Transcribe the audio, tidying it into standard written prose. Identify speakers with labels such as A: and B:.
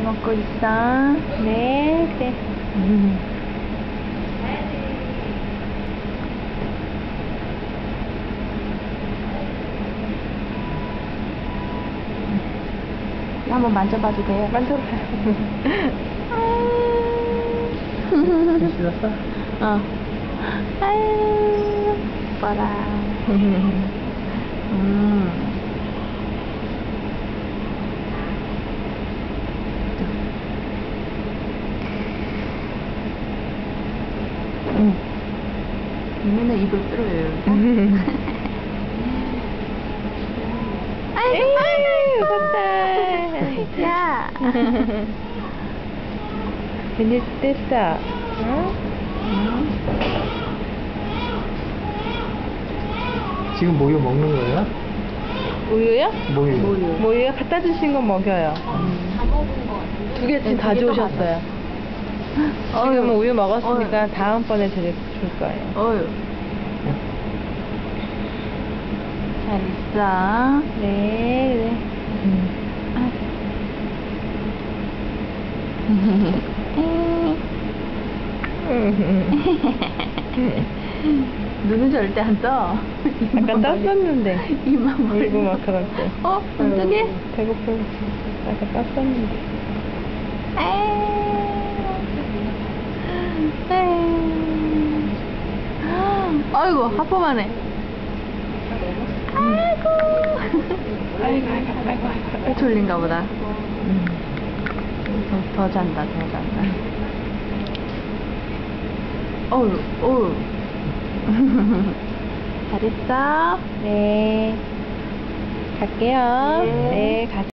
A: 먹고 있어.
B: 네, 그래.
A: 한번 만져봐도 돼요?
B: 만져봐요.
C: 씻었어?
A: 어. 아유, 이뻐라. 얘는 입을 뚫어요.
B: 아이고, 무섭다.
A: 야.
B: 근데 됐어. 응?
C: 지금 모유 먹는 거예요?
B: 우유요?
C: 모유.
B: 모유요? 갖다 주신 거 먹여요. 두 개씩 다 주셨어요. 지금 우유 먹었으니까 다음번에 줄 거예요.
A: 어휴. 잘 있어.
B: 네, 그래.
A: 눈은 절대 안 떠.
B: 아까 떴었는데.
A: 입만 벌리고.
B: 울고 막 그럴 때.
A: 깜짝이야.
B: 배고프고. 아까 떴었는데.
A: 아이고, 하품하네. 아이고. 졸린가 보다. 더 잔다, 더 잔다. 어우, 어우. 잘했어?
B: 네. 갈게요.
A: 네.
B: 네, 가세요.